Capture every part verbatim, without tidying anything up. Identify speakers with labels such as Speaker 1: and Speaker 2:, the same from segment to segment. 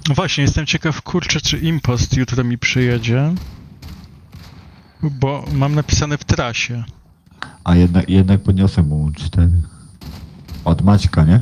Speaker 1: No właśnie, jestem ciekaw, kurczę, czy impost jutro mi przyjedzie. Bo mam napisane w trasie.
Speaker 2: A jednak, jednak podniosę mu cztery. Od Maćka, nie?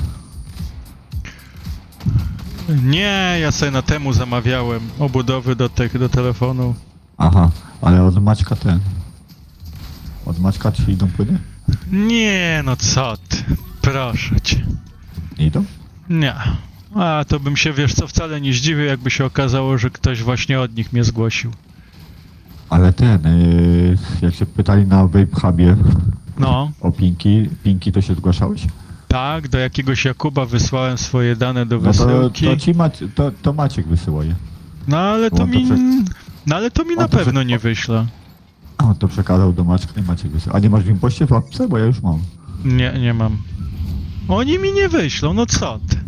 Speaker 1: Nie, ja sobie na temu zamawiałem obudowy do tych, do telefonu.
Speaker 2: Aha, ale od Maćka ten. Od Maćka ci idą płyny?
Speaker 1: Nie, no co ty, proszę cię.
Speaker 2: Nie idą?
Speaker 1: Nie. A to bym się, wiesz co, wcale nie zdziwił, jakby się okazało, że ktoś właśnie od nich mnie zgłosił.
Speaker 2: Ale ten, yy, jak się pytali na Vape Hubie
Speaker 1: No,
Speaker 2: o Pinki, Pinki to się zgłaszałeś?
Speaker 1: tak, do jakiegoś Jakuba wysłałem swoje dane do
Speaker 2: No to,
Speaker 1: wysyłki.
Speaker 2: to ci Macie, to, to Maciek wysyła je.
Speaker 1: No ale to
Speaker 2: On to
Speaker 1: mi...
Speaker 2: prze-
Speaker 1: No ale to mi
Speaker 2: On
Speaker 1: na
Speaker 2: to
Speaker 1: pewno
Speaker 2: prze-
Speaker 1: nie wyśle.
Speaker 2: On to przekazał do Maćka i Maciek wysyła. A nie masz w impoście w apce? Bo ja już mam.
Speaker 1: Nie, nie mam. Oni mi nie wyślą, no co ty.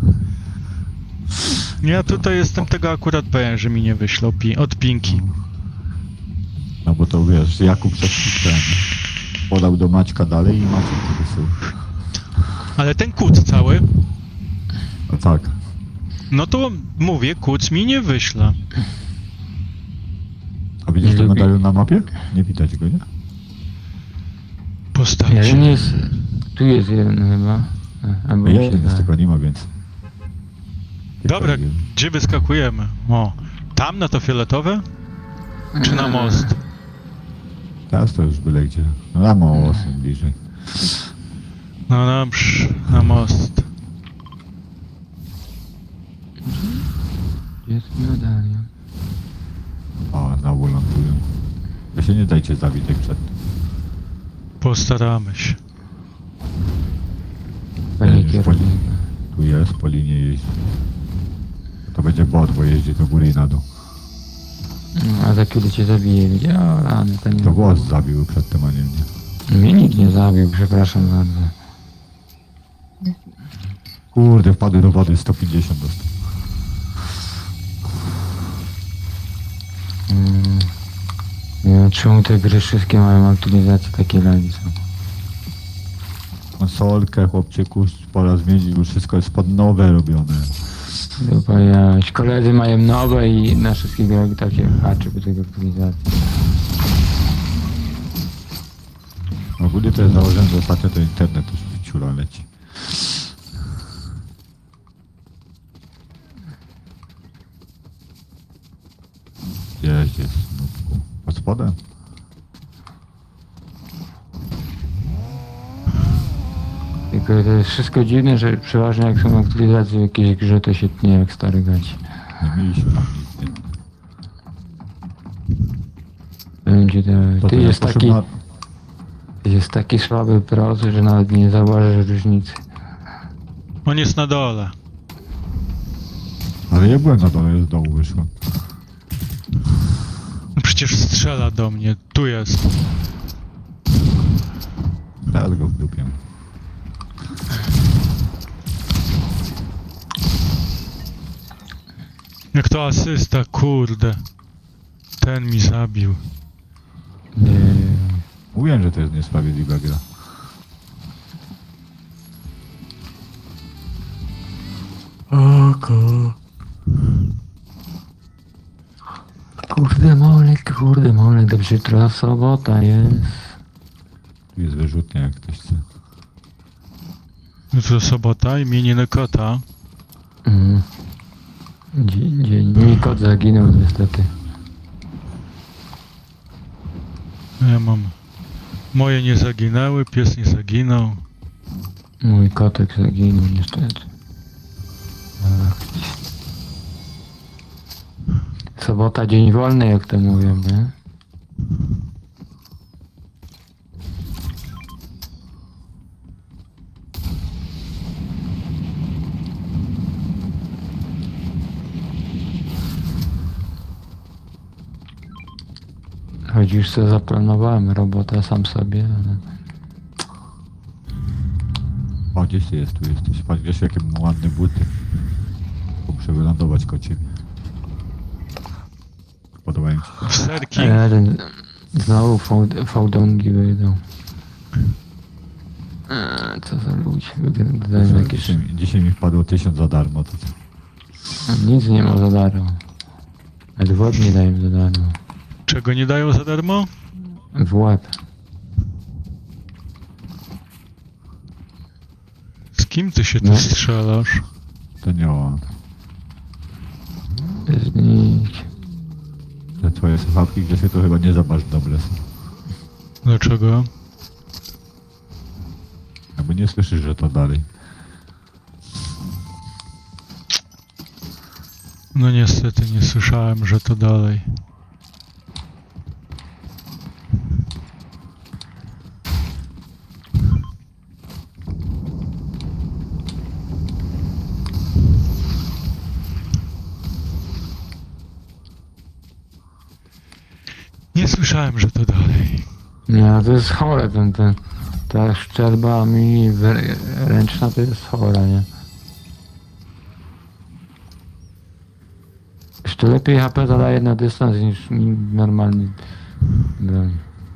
Speaker 1: Ja tutaj jestem tego akurat pewien, że mi nie wyślą pi od Pinki.
Speaker 2: No bo to wiesz, Jakub przez ten podał do Maćka dalej i Maciek to wysyła.
Speaker 1: Ale ten kuc cały,
Speaker 2: No tak.
Speaker 1: no to mówię, kuc mi nie wyśle.
Speaker 2: A widzisz
Speaker 3: Nie
Speaker 2: ten
Speaker 3: lubi.
Speaker 2: medalion na mapie? Nie widać go, nie?
Speaker 1: Postawcie.
Speaker 3: Jeden jest... Tu jest jeden chyba. A, Albo mi się
Speaker 2: Jest,
Speaker 3: da.
Speaker 2: tylko nie ma więcej.
Speaker 1: Dobra, gdzie wyskakujemy? O, tam na to fioletowe? Czy na most?
Speaker 2: Teraz to już byle gdzie. No na most bliżej.
Speaker 1: No dobrze, na most.
Speaker 3: Gdzie jest medalion?
Speaker 2: O, znowu lądują. To się nie dajcie zabić jak przed.
Speaker 1: Postaramy się.
Speaker 3: Panie
Speaker 2: już po,
Speaker 3: kierownik.
Speaker 2: tu jest, po linii jeździ. To będzie bot, bo jeździ do góry i na dół.
Speaker 3: No, a za kiedy cię zabije? Gdzie? O, rany, to nie...
Speaker 2: To głos zabił przed tym, a nie mnie.
Speaker 3: Mnie nikt nie zabił, przepraszam bardzo.
Speaker 2: Kurde, wpadły do wody, sto pięćdziesiąt dostał.
Speaker 3: Mm. Nie wiem, czemu te gry wszystkie mają aktualizacje takie lagi są.
Speaker 2: Konsolkę, chłopczyku, pora zmienić, już wszystko jest pod nowe robione.
Speaker 3: Dupa jaś. Koledzy mają nowe i na wszystkich grach takie haczy po tych aktualizacji.
Speaker 2: Ogólnie to jest założenie, że ostatnio to internet już w ciula leci. Gdzieś jest, nubku. Pod spodem?
Speaker 3: Tylko to jest wszystko dziwne, że przeważnie jak są aktualizacje w jakiejś grze, to się tnie jak stary gaci.
Speaker 2: Nie mieliśmy tam nic, nie?
Speaker 3: Będzie to...
Speaker 2: To
Speaker 3: Ty
Speaker 2: ten
Speaker 3: jest
Speaker 2: jak
Speaker 3: taki...
Speaker 2: poszedł na-
Speaker 3: Ty jest taki słaby procy, że nawet nie zauważysz różnicy.
Speaker 1: On jest na dole.
Speaker 2: Ale ja byłem na dole, z dołu wyszłem.
Speaker 1: No przecież strzela do mnie. Tu jest.
Speaker 2: Teraz go w dupie.
Speaker 1: Jak to asysta, kurde. Ten mi zabił.
Speaker 3: Nie.
Speaker 2: Mówiłem, że to jest niesprawiedliwa gra.
Speaker 3: Oko. Kurde molek, kurde molek, dobrze, jutro sobota jest.
Speaker 2: Tu jest wyrzutnia, jak ktoś chce.
Speaker 1: Jutro sobota, imieniny kota.
Speaker 3: Mm. Dzień, dzień. Mój kot zaginął niestety.
Speaker 1: Ja mam... Moje nie zaginęły, pies nie zaginął.
Speaker 3: Mój kotek zaginął niestety. Ach. Sobota, dzień wolny, jak to mówią, nie? Choć już sobie zaplanowałem robotę sam sobie, ale...
Speaker 2: O, gdzieś ty jest, tu jesteś. Patrz, wiesz, jakie mam ładne buty. Muszę wylądować koło ciebie. Podobają ci się.
Speaker 1: W serki.
Speaker 3: Jeden... Znowu fał- fałdongi wyjdą. Eee, co za ludzie, wyglądają
Speaker 2: Dzisiaj,
Speaker 3: jakieś...
Speaker 2: dzisiaj, dzisiaj mi wpadło tysiąc za darmo. To co?
Speaker 3: Nic nie ma za darmo. Ale w łeb nie dają za darmo.
Speaker 1: Czego nie dają za darmo?
Speaker 3: W łeb.
Speaker 1: Z kim ty się tu
Speaker 3: No.
Speaker 1: strzelasz?
Speaker 2: To nie on.
Speaker 3: Znikł.
Speaker 2: Te twoje słuchawki, gdzie się to chyba nie za bardzo dobre są.
Speaker 1: Dlaczego?
Speaker 2: Jakby nie słyszysz, że to dalej.
Speaker 1: No niestety nie słyszałem, że to dalej. Nie słyszałem, że to dalej.
Speaker 3: Nie, to jest chore ten, ten. Ta szczelba mi wy- ręczna to jest chora, nie? Jeszcze lepiej H P zadaje na dystans niż mi normalny broń.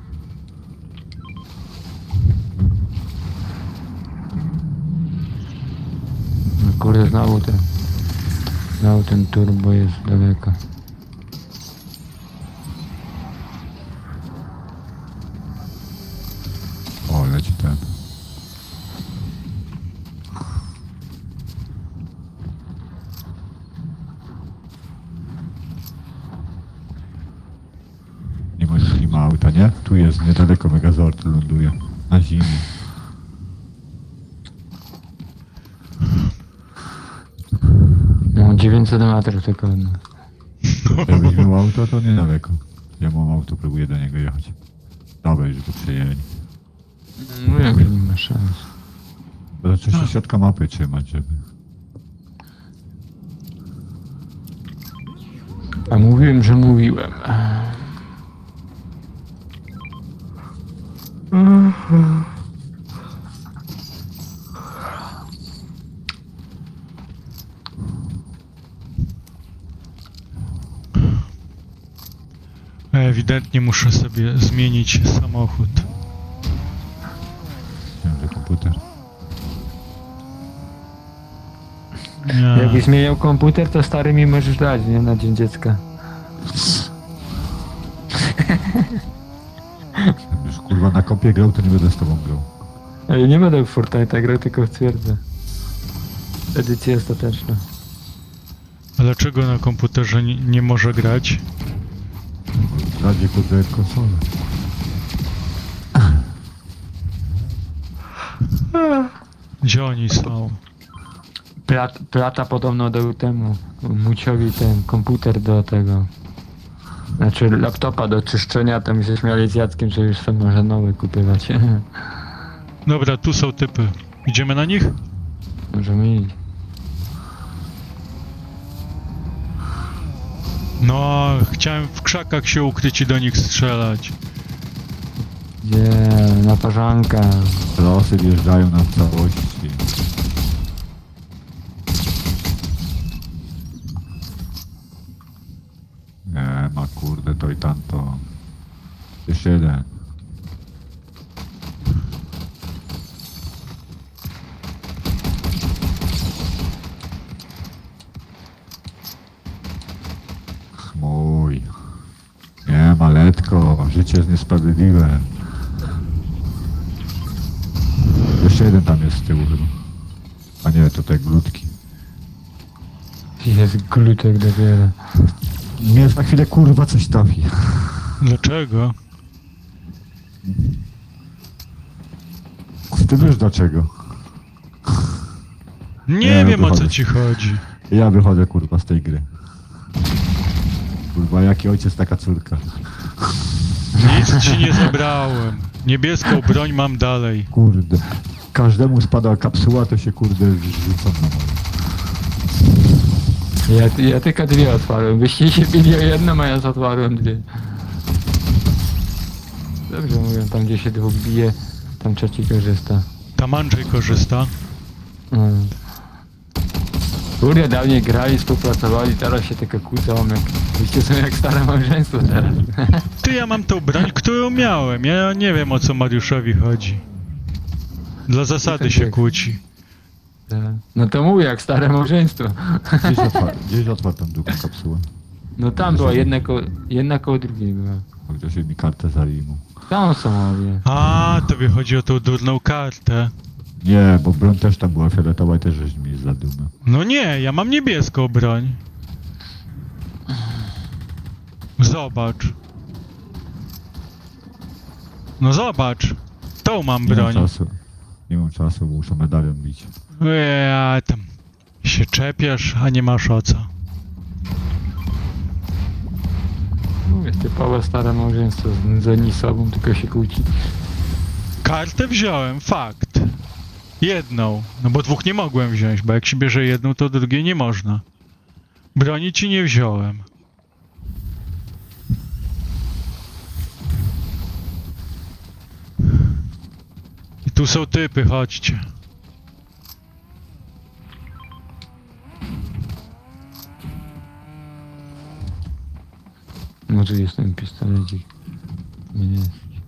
Speaker 3: No kurde, znowu ten. Znowu ten turbo jest daleko.
Speaker 2: O, leci ten. Nie ma, nie ma auta, nie? Tu jest niedaleko Megazord ląduje. Na zimie.
Speaker 3: No dziewięćset metrów tylko od nas.
Speaker 2: Jakbyś miał auto, to niedaleko. Ja mam auto, próbuję do niego jechać. Dawaj, że to przejęli.
Speaker 3: No jak nie ma szans.
Speaker 2: Bo zaczął się środka mapy trzymać, żeby...
Speaker 3: A mówiłem, że mówiłem.
Speaker 1: Ewidentnie muszę sobie zmienić samochód.
Speaker 2: Wiem, że komputer.
Speaker 1: Nie.
Speaker 3: Jakbyś zmieniał komputer, to stary mi możesz dać, nie? Na dzień dziecka.
Speaker 2: Już kurwa na kompie grał, to nie będę z tobą grał.
Speaker 3: Ale nie będę w Fortnite'a grał, tylko w twierdzę. Edycja ostateczna.
Speaker 1: A dlaczego na komputerze nie, nie może grać?
Speaker 2: Radzie kurde konsolę.
Speaker 1: Gdzie oni są?
Speaker 3: Plat, plata podobno dał temu Muciowi ten komputer do tego. Znaczy laptopa do czyszczenia, tam się śmiali z Jackiem, że już sobie może nowy kupywać.
Speaker 1: Dobra, tu są typy. Idziemy na nich?
Speaker 3: Możemy iść.
Speaker 1: No, chciałem w krzakach się ukryć i do nich strzelać.
Speaker 3: Gdzie? Na parzanka.
Speaker 2: Losy wjeżdżają na całości. Nie ma kurde to i tamto. Jeszcze jeden. Mój. Nie, maletko, życie jest niesprawiedliwe. Jeszcze jeden tam jest z tyłu chyba. A nie, to te glutki.
Speaker 3: Jest glutek dopiero.
Speaker 2: Nie, za chwilę kurwa coś trafi.
Speaker 1: Dlaczego?
Speaker 2: Ty wiesz dlaczego?
Speaker 1: Nie,
Speaker 2: Nie,
Speaker 1: wiem o co
Speaker 2: wychodzę.
Speaker 1: ci chodzi.
Speaker 2: Ja wychodzę kurwa z tej gry. Kurwa, jaki ojciec, taka córka.
Speaker 1: Nic ci nie zabrałem. Niebieską broń mam dalej.
Speaker 2: Kurde. Każdemu spada kapsuła, to się kurde rzucą na moje.
Speaker 3: Ja, ja tylko dwie otwarłem. Byście się bili o jedną, a ja otwarłem dwie. Dobrze mówią, tam gdzie się dwóch bije, tam trzeci korzysta.
Speaker 1: Tam Andrzej korzysta.
Speaker 3: Mm. Kurde, dawniej grali, współpracowali, teraz się tylko kłócą, jak... Wyście są jak stare małżeństwo teraz.
Speaker 1: Ty, ja mam tą broń, którą miałem. Ja nie wiem o co Mariuszowi chodzi. Dla zasady się kłóci.
Speaker 3: Te- No to mówię, jak stare małżeństwo.
Speaker 2: Gdzieś otwarł, gdzieś otwarł tą drugą kapsułę.
Speaker 3: No tam była jedna koło, jedna koło drugiej była.
Speaker 2: Bo ktoś mi kartę zalimu.
Speaker 3: Tam są obie.
Speaker 1: A, tobie chodzi o tą durną kartę.
Speaker 2: Nie, bo broń też tam była fioletowa i też żeś mi zadumę.
Speaker 1: No nie, ja mam niebieską broń. Zobacz. No zobacz. Tą mam
Speaker 2: Nie mam
Speaker 1: broń.
Speaker 2: czasu. Nie mam czasu, bo muszę medalion bić.
Speaker 1: Ja tam się czepiasz, a nie masz o co.
Speaker 3: Mówię, typowe stare małżeństwo, znudzeni sobą, tylko się kłóci.
Speaker 1: Kartę wziąłem, fakt. Jedną, no bo dwóch nie mogłem wziąć, bo jak się bierze jedną, to drugiej nie można. Broni ci nie wziąłem. I tu są typy, chodźcie.
Speaker 3: Może jest ten pistolecik. Nie jest.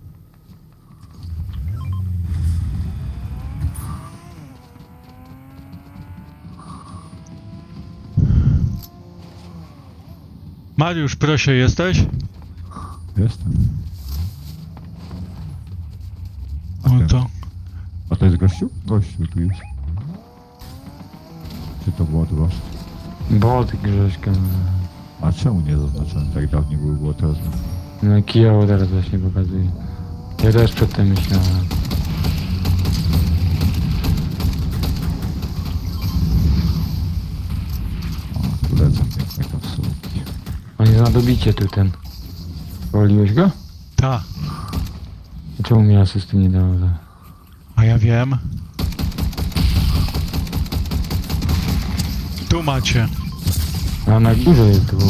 Speaker 1: Mariusz, proszę, jesteś?
Speaker 2: Jestem.
Speaker 1: No to...
Speaker 2: A to jest gościu? Gościu tu jest. Czy to było wasz?
Speaker 3: Bot Grześka.
Speaker 2: A czemu nie zaznaczyłem? Tak dawniej było, było teraz.
Speaker 3: No kijowo teraz właśnie pokazuje. Ja też przedtem myślałem.
Speaker 2: O, tu lecą piękne kapsułki.
Speaker 3: On jest na dobicie tu ten. Powoliłeś go?
Speaker 1: Ta,
Speaker 3: Czemu mi asysty nie dało? za-
Speaker 1: a ja wiem. Tu macie.
Speaker 3: A na górze jest dwóch.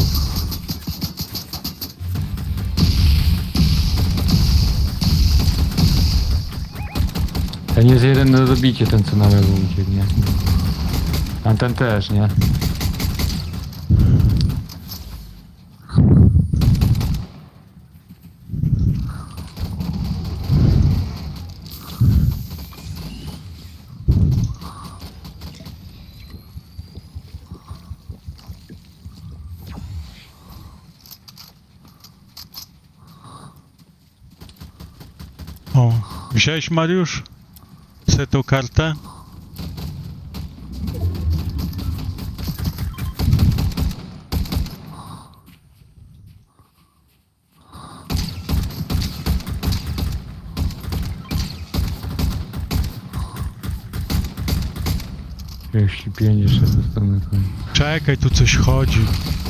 Speaker 3: Ten jest jeden na dobicie, ten co na lewo ucieknie. A ten też, nie?
Speaker 1: O, wziąłeś, Mariusz? Chcę tą kartę?
Speaker 3: trzydzieści pięć jeszcze dostanę.
Speaker 1: Czekaj, tu coś chodzi.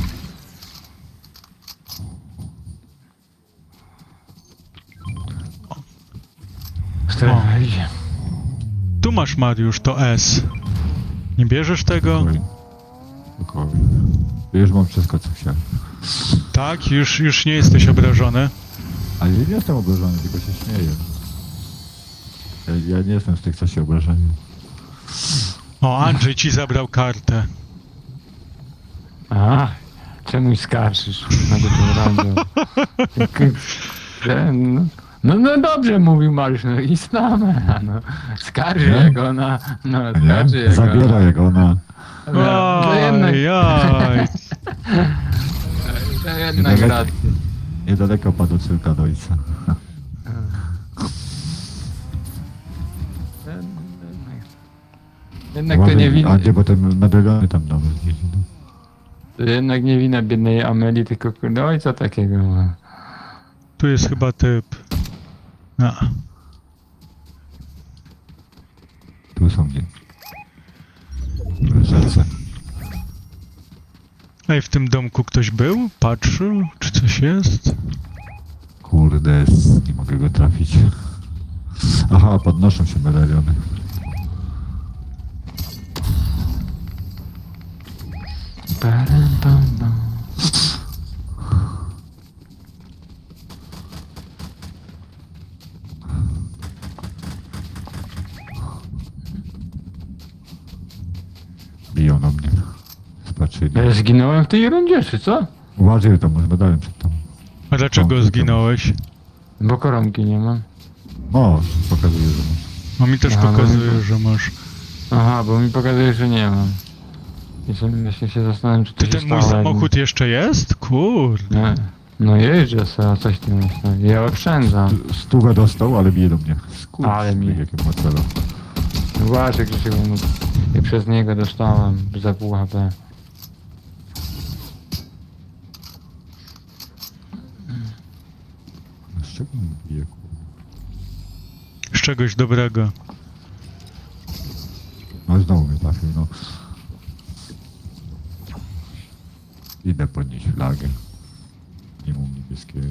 Speaker 3: Strefa idzie.
Speaker 1: Tu masz, Mariusz, to S. Nie bierzesz tego?
Speaker 2: Spokojnie. Spokojnie. Już mam wszystko, co chciałem.
Speaker 1: Tak? Już, już nie jesteś obrażony?
Speaker 2: Ale ja nie jestem obrażony, tylko się śmieję. Ja, ja nie jestem z tych, co się obrażają.
Speaker 1: O, Andrzej ci zabrał kartę.
Speaker 3: A, czemuś skarżysz na go tym randą? Ten, no, no, no dobrze mówił Mariusz, no i znamy, no. Skarży
Speaker 2: Nie?
Speaker 3: jak ona, no skarży
Speaker 2: Nie?
Speaker 3: jak
Speaker 2: Zabiera
Speaker 3: ona.
Speaker 2: jak ona.
Speaker 3: No, to jednak,
Speaker 1: Oj, oj.
Speaker 3: to jednak
Speaker 2: Nie,
Speaker 3: racja.
Speaker 2: Niedaleko padł córka do ojca.
Speaker 3: Jednak to nie wina,
Speaker 2: A gdzie, bo te medaliony tam nawet gdzieś. No.
Speaker 3: to jednak nie wina biednej Ameli, tylko kurde ojca takiego ma.
Speaker 1: Tu jest chyba typ. No.
Speaker 2: Tu są gdzie. W rzece.
Speaker 1: Ej, w tym domku ktoś był? Patrzył? Czy coś jest?
Speaker 2: Kurde, s- nie mogę go trafić. Aha, podnoszą się medaliony.
Speaker 3: Param, pam, pam.
Speaker 2: Biją na mnie. Spatrzyli.
Speaker 3: Ja zginąłem w tej rundzie, czy co?
Speaker 2: Uważaj, to może medalion przed tobą.
Speaker 1: A dlaczego
Speaker 2: O,
Speaker 1: zginąłeś?
Speaker 3: Bo koronki nie mam.
Speaker 2: No, pokazuje, że masz.
Speaker 1: No mi też
Speaker 3: Aha, no
Speaker 1: pokazuje,
Speaker 3: i-
Speaker 1: że masz.
Speaker 3: Aha, bo mi pokazuje, że nie mam. I sobie właśnie się zastanawiam, czy to
Speaker 1: Ty
Speaker 3: się
Speaker 1: ten mój
Speaker 3: stało, jak
Speaker 1: samochód jeszcze jest? Kurde.
Speaker 3: Nie. No jeżdżę sobie, a coś ty myślisz. Ja oszczędzam.
Speaker 2: Stówę dostał, ale bije do mnie. Skurcz,
Speaker 3: Ale mi-
Speaker 2: jakie ma celo.
Speaker 3: Zobaczę, Grzesiek, bo mu- ja przez niego dostałem za pół H P.
Speaker 2: Z czego mi bije, kurwa?
Speaker 1: Z czegoś dobrego.
Speaker 2: No znowu mnie trafił, no. Idę podnieść flagę. Nie mam niebieskiego.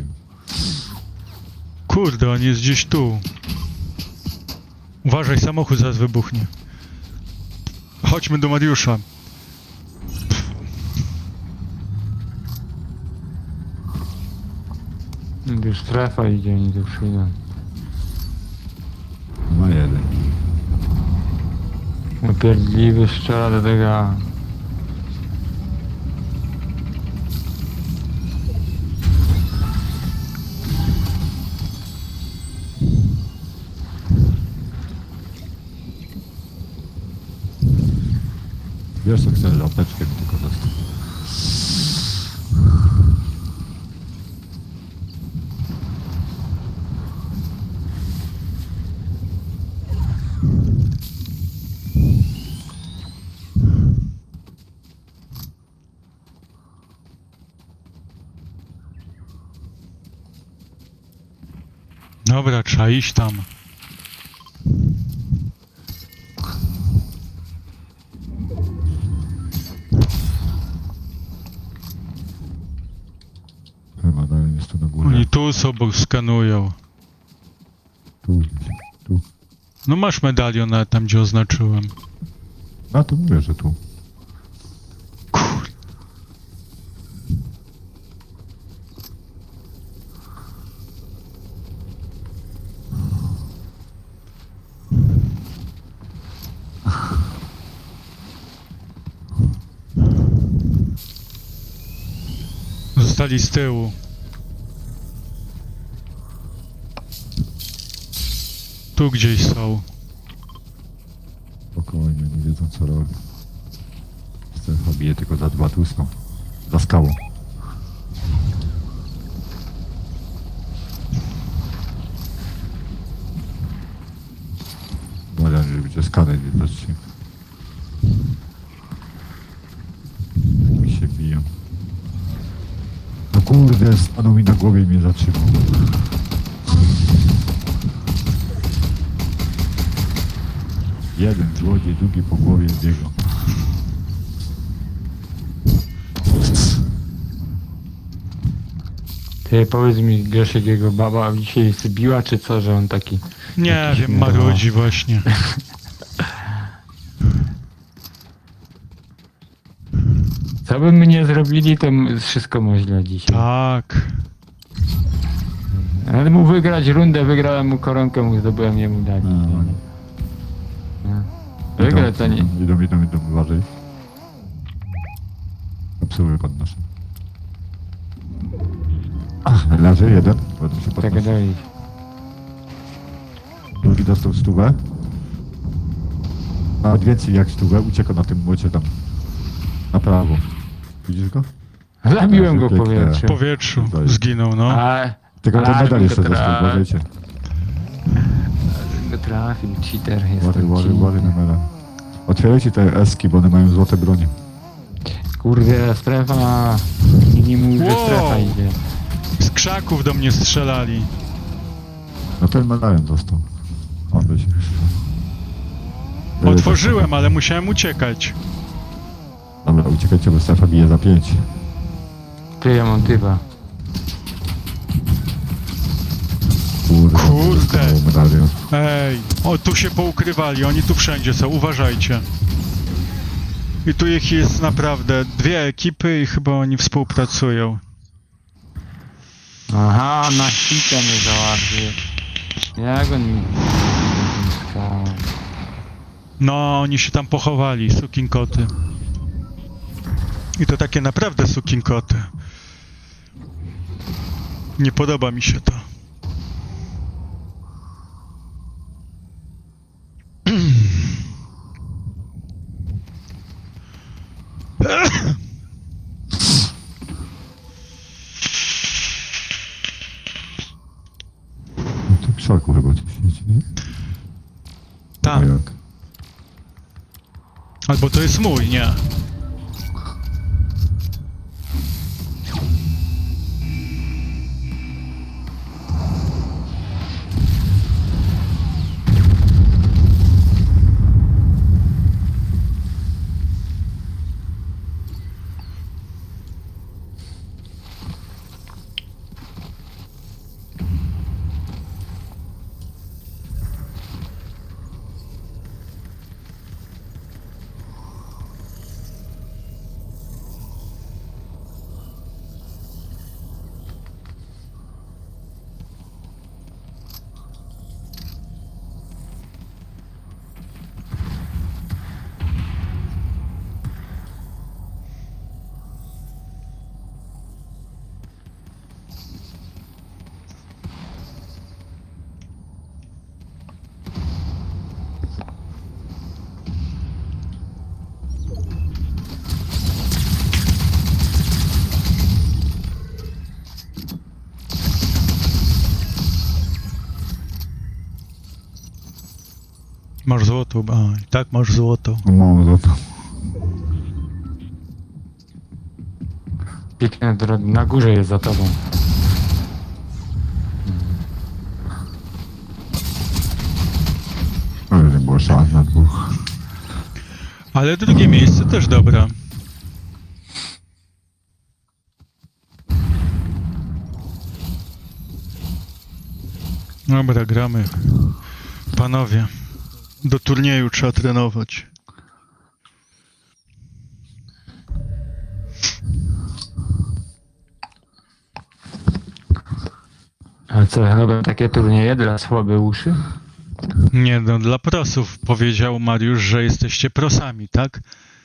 Speaker 1: Kurde, on jest gdzieś tu. Uważaj, samochód zaraz wybuchnie. Chodźmy do Mariusza.
Speaker 3: Już strefa idzie, oni tu przyjdą.
Speaker 2: Ma jeden.
Speaker 3: Upierdliwy strzela do tego.
Speaker 2: Wiesz co chcę, apteczkę mi tylko dostać.
Speaker 1: Dobra, trzeba iść tam.
Speaker 2: Chyba dalej jest tu na górze.
Speaker 1: Oni tu sobą skanują.
Speaker 2: Tu gdzieś. Tu.
Speaker 1: No masz medalion na tam, gdzie oznaczyłem.
Speaker 2: A to mówię, że tu.
Speaker 1: Kur... Zostali z tyłu. Tu gdzieś są.
Speaker 2: Spokojnie, nie wiedzą co robią. Strefa bije tylko za dwa tłustą. Za skałą. Uważam, że będzie skaner widocznie. Mi się biją. No kurde, stanął mi na głowie i mnie zatrzymał. Jeden złodziej, drugi po głowie biegł.
Speaker 3: Ty powiedz mi, Grzesiek, jego baba dzisiaj sybiła, czy co, że on taki...
Speaker 1: Nie
Speaker 3: Jakiś
Speaker 1: wiem,
Speaker 3: mydło.
Speaker 1: marudzi właśnie.
Speaker 3: Co by my nie zrobili, to m- wszystko mu źle dzisiaj.
Speaker 1: Tak.
Speaker 3: Ale mu wygrać rundę, wygrałem mu koronkę, mu zdobyłem, jemu dali.
Speaker 2: No.
Speaker 3: No. Wygrać to nie...
Speaker 2: Idą, idą, idą, uważaj. Kapsuły podnoszę. Ach, leży jeden. Będę się
Speaker 3: Tego
Speaker 2: podnosił.
Speaker 3: dojść.
Speaker 2: Drugi dostał stówę. Nawet więcej jak stówę, ucieka na tym młocie tam. Na prawo. Widzisz go?
Speaker 3: Zabiłem go w
Speaker 2: Pięknie.
Speaker 1: W
Speaker 3: powietrzu.
Speaker 1: powietrzu
Speaker 2: Tutaj.
Speaker 1: zginął, no.
Speaker 3: A,
Speaker 2: Tylko ten
Speaker 3: Aż
Speaker 2: medal
Speaker 3: go
Speaker 2: jeszcze
Speaker 3: tra-
Speaker 2: dostał, uważajcie.
Speaker 3: go trafił, cheater jest.
Speaker 2: Uważaj,
Speaker 3: to
Speaker 2: uważaj, uważaj na
Speaker 3: cheater.
Speaker 2: medal. Otwierajcie te eski, bo one mają złote bronie.
Speaker 3: Kurde, strefa... I nie mówi, że
Speaker 1: Wow.
Speaker 3: strefa idzie.
Speaker 1: Z krzaków do mnie strzelali.
Speaker 2: No ten medalion dostał. On by się...
Speaker 1: Otworzyłem, ale musiałem uciekać.
Speaker 2: Dobra, uciekajcie, bo strefa bije za pięć.
Speaker 3: Ty, ja mam typa.
Speaker 2: Kurde.
Speaker 1: Kurde.
Speaker 2: dostał medalion.
Speaker 1: Ej, o tu się poukrywali, oni tu wszędzie są, uważajcie. I tu ich jest naprawdę dwie ekipy i chyba oni współpracują.
Speaker 3: Aha, na hita mnie załatwił. Jak on mi... skał.
Speaker 1: No, oni się tam pochowali, sukinkoty. I to takie naprawdę sukinkoty. Nie podoba mi się to. Tak.
Speaker 2: A jak?
Speaker 1: Albo to jest mój, nie. Masz złoto, a i tak masz złoto.
Speaker 2: No mam za to.
Speaker 3: Piękne drogi. Na górze jest za tobą.
Speaker 2: Ale nie było szans na dwóch.
Speaker 1: Ale drugie miejsce też dobre. Dobra, gramy. Panowie, do turnieju trzeba trenować.
Speaker 3: Ale co, robią takie turnieje dla słabe uszy?
Speaker 1: Nie no, dla prosów powiedział Mariusz, że jesteście prosami, tak?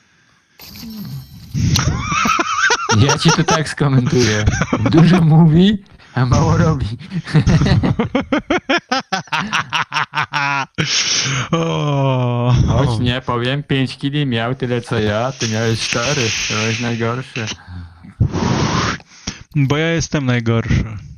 Speaker 3: Ja ci to tak skomentuję. Dużo mówi, a mało robi.
Speaker 1: O,
Speaker 3: Choć nie powiem, pięć kili miał tyle co ja, ty miałeś cztery. To jest najgorsze.
Speaker 1: bo ja jestem najgorszy.